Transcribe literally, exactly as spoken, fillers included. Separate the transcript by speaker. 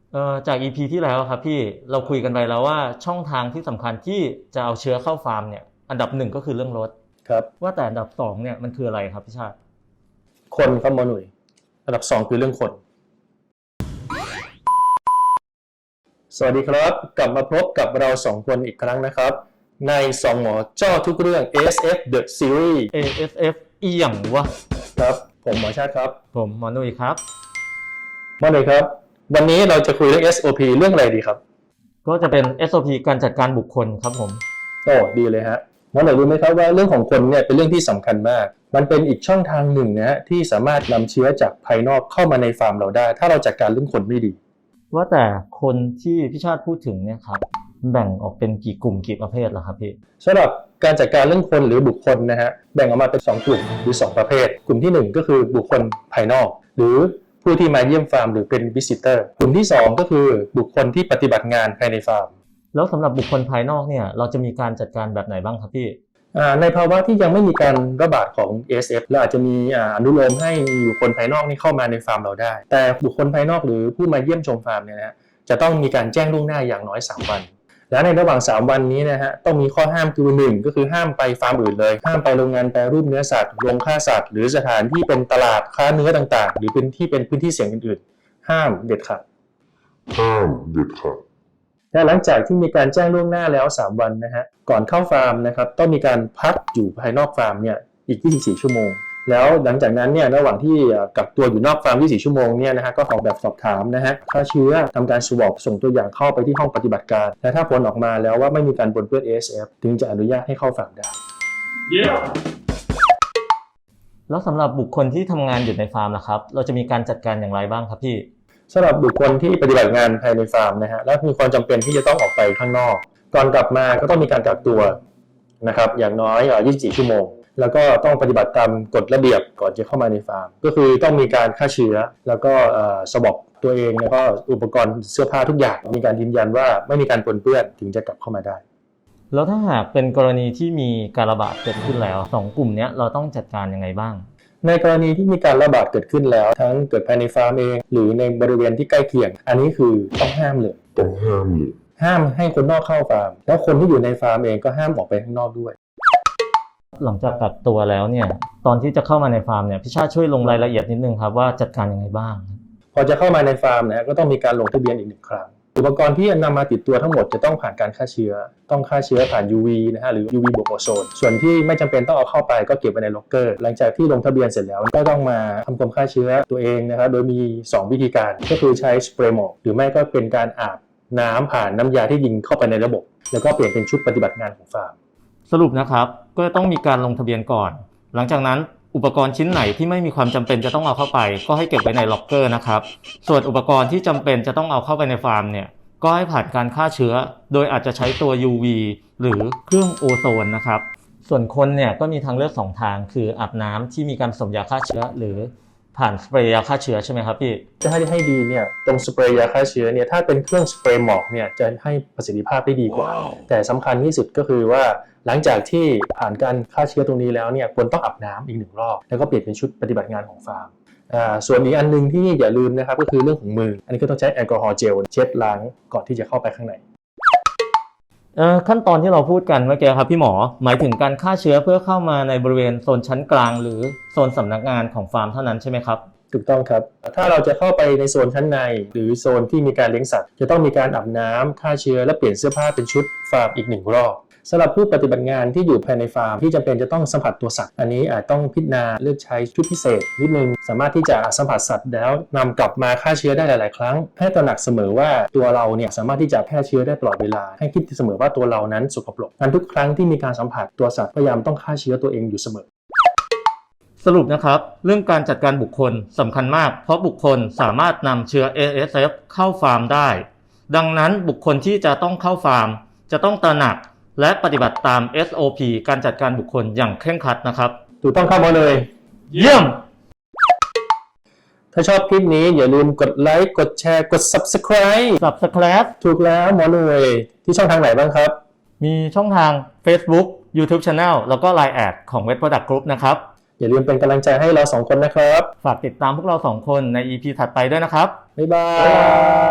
Speaker 1: เอ่อจาก อี พี ที่แล้วครับพี่เราคุยกันไปแล้วว่าช่องทางที่สำคัญที่จะเอาเชื้อเข้าฟาร์มเนี่ยอันดับหนึ่งก็คือเรื่องรถ
Speaker 2: ครับ
Speaker 1: ว่าแต่อันดับสองเนี่ยมันคืออะไรครับพี่ชาติ
Speaker 2: คนครับหมอหนุ่ยอันดับสองคือเรื่องคนสวัสดีครับกลับมาพบกับเราสองคนอีกครั้งนะครับในสองหมอเจ้าทุกเรื่อง เอ เอส เอฟ The Series
Speaker 1: เอ เอส เอฟ อีหยังวะ
Speaker 2: ครับผมหมอชาติครับ
Speaker 1: ผมหมอนุ้ยครับ
Speaker 2: หมอหนุ่ยครับวันนี้เราจะคุยเรื่อง เอส โอ พี เรื่องอะไรดีครับ
Speaker 1: ก็จะเป็น เอส โอ พี การจัดการบุคคลครับผม
Speaker 2: โอ้ดีเลยฮะหมอหนุ่ยรู้ไหมครับว่าเรื่องของคนเนี่ยเป็นเรื่องที่สำคัญมากมันเป็นอีกช่องทางหนึ่งนะฮะที่สามารถนำเชื้อจากภายนอกเข้ามาในฟาร์มเราได้ถ้าเราจัดการเรื่องคนไม่ดี
Speaker 1: ว่าแต่คนที่พี่ชาติพูดถึงเนี่ยครับแบ่งออกเป็นกี่กลุ่มกี่ประเภทล่ะครับพี่
Speaker 2: สำหรับการจัดการเรื่องคนหรือบุคคลนะฮะแบ่งออกมาเป็นสองกลุ่มหรือสองประเภทกลุ่มที่หนึ่งก็คือบุคคลภายนอกหรือผู้ที่มาเยี่ยมฟาร์มหรือเป็นวิสิเตอร์กลุ่มที่สองก็คือบุคคลที่ปฏิบัติงานภายในฟาร์ม
Speaker 1: แล้วสำหรับบุคคลภายนอกเนี่ยเราจะมีการจัดการแบบไหนบ้างครับพี่
Speaker 2: ในภาวะที่ยังไม่มีการระบาดของ เอ เอส เอฟ เราอาจจะมีอนุโลมให้บุคคลภายนอกนี่เข้ามาในฟาร์มเราได้แต่บุคคลภายนอกหรือผู้มาเยี่ยมชมฟาร์มเนี่ยนะจะต้องมีการแจ้งล่วงหน้าอย่างน้อยสามวันและในระหว่างสามวันนี้นะฮะต้องมีข้อห้ามคือหนึ่งก็คือห้ามไปฟาร์มอื่นเลยห้ามไปโรงงานแปรรูปเนื้อสัตว์โรงฆ่าสัตว์หรือสถานที่เป็นตลาดค้าเนื้อต่างๆหรือเป็นที่เป็นพื้นที่เสี่ยงอื่นๆห้ามเด็ดขาด
Speaker 3: ห้ามเด็ดขาด
Speaker 2: และหลังจากที่มีการแจ้งล่วงหน้าแล้วสามวันนะฮะก่อนเข้าฟาร์มนะครับต้องมีการพักอยู่ภายนอกฟาร์มเนี่ยอีกยี่สิบสี่ชั่วโมงแล้วหลังจากนั้นเนี่ยระหว่างที่กักตัวอยู่นอกฟาร์มยี่สิบสี่ชั่วโมงเนี่ยนะฮะก็ขอแบบสอบถามนะฮะฆ่าเชื้อทำการสวอปส่งตัวอย่างเข้าไปที่ห้องปฏิบัติการและถ้าผลออกมาแล้วว่าไม่มีการปนเปื้อน เอ เอส เอฟ ถึงจะอนุญาตให้เข้าฟาร์มได้
Speaker 1: yeah. แล้วสำหรับบุคคลที่ทำงานอยู่ในฟาร์มนะครับเราจะมีการจัดการอย่างไรบ้างครับพี่
Speaker 2: สำหรับบุคคลที่ปฏิบัติงานภายในฟาร์มนะฮะและมีความจำเป็นที่จะต้องออกไปข้างนอกก่อนกลับมาก็ต้องมีการกักตัวนะครับอย่างน้อยยี่สิบสี่ชั่วโมงแล้วก็ต้องปฏิบัติตามกฎระเบียบก่อนจะเข้ามาในฟาร์มก็คือต้องมีการฆ่าเชื้อแล้วก็สวอปตัวเองแล้วก็อุปกรณ์เสื้อผ้าทุกอย่างมีการยืนยันว่าไม่มีการปนเปื้อนถึงจะกลับเข้ามาได้
Speaker 1: แล้วถ้าหากเป็นกรณีที่มีการระบาดเกิดขึ้นแล้วสองกลุ่มนี้เราต้องจัดการยังไงบ้าง
Speaker 2: ในกรณีที่มีการระบาดเกิดขึ้นแล้วทั้งเกิดภายในฟาร์มเองหรือในบริเวณที่ใกล้เคียงอันนี้คือต้องห้ามเลย
Speaker 3: ต้องห้ามเลย
Speaker 2: ห้ามให้คนนอกเข้าฟาร์มแล้วคนที่อยู่ในฟาร์มเองก็ห้ามออกไปข้างนอกด้วย
Speaker 1: หลังจากกักตัวแล้วเนี่ยตอนที่จะเข้ามาในฟาร์มเนี่ยพี่ชาติช่วยลงรายละเอียดนิดนึงครับว่าจัดการยังไงบ้าง
Speaker 2: พอจะเข้ามาในฟาร์มนะก็ต้องมีการลงทะเบียนอีกหนึ่งครั้งอุปกรณ์ที่นำมาติดตัวทั้งหมดจะต้องผ่านการฆ่าเชื้อต้องฆ่าเชื้อผ่าน ยู วี นะฮะหรือ ยู วี บวกโอโซนส่วนที่ไม่จำเป็นต้องเอาเข้าไปก็เก็บไว้ในล็อกเกอร์หลังจากที่ลงทะเบียนเสร็จแล้วก็ต้องมาทำความฆ่าเชื้อตัวเองนะครับโดยมีสองวิธีการก็คือใช้สเปรย์หมอกหรือไม่ก็เป็นการอาบน้ำผ่านน้ำยาที่ยิงเข้าไปในระบบแล้วก็เปลี่ยนเป็นชุดปฏิบัติงานของฟาร์ม
Speaker 1: สรุปนะครับก็ต้องมีการลงทะเบียนก่อนหลังจากนั้นอุปกรณ์ชิ้นไหนที่ไม่มีความจำเป็นจะต้องเอาเข้าไปก็ให้เก็บไว้ในล็อกเกอร์นะครับส่วนอุปกรณ์ที่จำเป็นจะต้องเอาเข้าไปในฟาร์มเนี่ยก็ให้ผ่านการฆ่าเชื้อโดยอาจจะใช้ตัว ยู วี หรือเครื่องโอโซนนะครับส่วนคนเนี่ยก็มีทางเลือกสองทางคืออาบน้ำที่มีการผสมยาฆ่าเชื้อหรือผ่านสเปรย์ยาฆ่าเชื้อใช่ไหมครับพี่
Speaker 2: จะให้ให้ดีเนี่ยตรงสเปรย์ยาฆ่าเชื้อเนี่ยถ้าเป็นเครื่องสเปรย์หมอกเนี่ยจะให้ประสิทธิภาพได้ดีกว่า wow. แต่สำคัญที่สุดก็คือว่าหลังจากที่ผ่านการฆ่าเชื้อตรงนี้แล้วเนี่ยควรต้องอาบน้ำอีกหนึ่งรอบแล้วก็เปลี่ยนเป็นชุดปฏิบัติงานของฟาร์มอ่าส่วนอีกอันนึงที่อย่าลืมนะครับก็คือเรื่องของมืออันนี้ก็ต้องใช้แอลกอฮอล์เจลเช็ดล้างก่อนที่จะเข้าไปข้างใน
Speaker 1: เอ่อขั้นตอนที่เราพูดกันเมื่อกี้ครับพี่หมอหมายถึงการฆ่าเชื้อเพื่อเข้ามาในบริเวณโซนชั้นกลางหรือโซนสำนักงานของฟาร์มเท่านั้นใช่ไหมครับ
Speaker 2: ถูกต้องครับถ้าเราจะเข้าไปในโซนชั้นในหรือโซนที่มีการเลี้ยงสัตว์จะต้องมีการอาบน้ำฆ่าเชื้อและเปลี่ยนเสื้อผ้าเป็นชุดฟาร์มอีกหนึ่งรอบสำหรับผู้ปฏิบัติงานที่อยู่ภายในฟาร์มที่จำเป็นจะต้องสัมผัสตัวสัตว์อันนี้อาจต้องพิจารณาเลือกใช้ชุดพิเศษนิดนึงสามารถที่จะสัมผัสสัตว์แล้วนำกลับมาฆ่าเชื้อได้หลายๆครั้งให้ตระหนักเสมอว่าตัวเราเนี่ยสามารถที่จะแพร่เชื้อได้ตลอดเวลาให้คิดเสมอว่าตัวเรานั้นสกปรกงั้นทุกครั้งที่มีการสัมผัสตัวสัตว์พยายามต้องฆ่าเชื้อตัวเองอยู่เสมอ
Speaker 1: สรุปนะครับเรื่องการจัดการบุคคลสำคัญมากเพราะบุคคลสามารถนำเชื้อ เอ เอส เอฟ เข้าฟาร์มได้ดังนั้นบุคคลที่จะต้องเข้าฟาร์มจะต้องตระหนักและปฏิบัติตาม เอส โอ พี การจัดการบุคคลอย่างเคร่งครัดนะครับ
Speaker 2: ถูกต้องครับหมอเลย
Speaker 1: เยี่ยม
Speaker 2: ถ้าชอบคลิปนี้อย่าลืมกดไลค์กดแชร์กด Subscribe
Speaker 1: Subscribe
Speaker 2: ถูกแล้วหมอเลยที่ช่องทางไหนบ้างครับ
Speaker 1: มีช่องทาง Facebook YouTube Channel แล้วก็ ไลน์ แอดของ Vet Product Group นะครับ
Speaker 2: อย่าลืมเป็นกำลังใจให้เราสองคนนะครับ
Speaker 1: ฝากติดตามพวกเราสองคนใน อี พี ถัดไปด้วยนะครับ
Speaker 2: บ๊ายบาย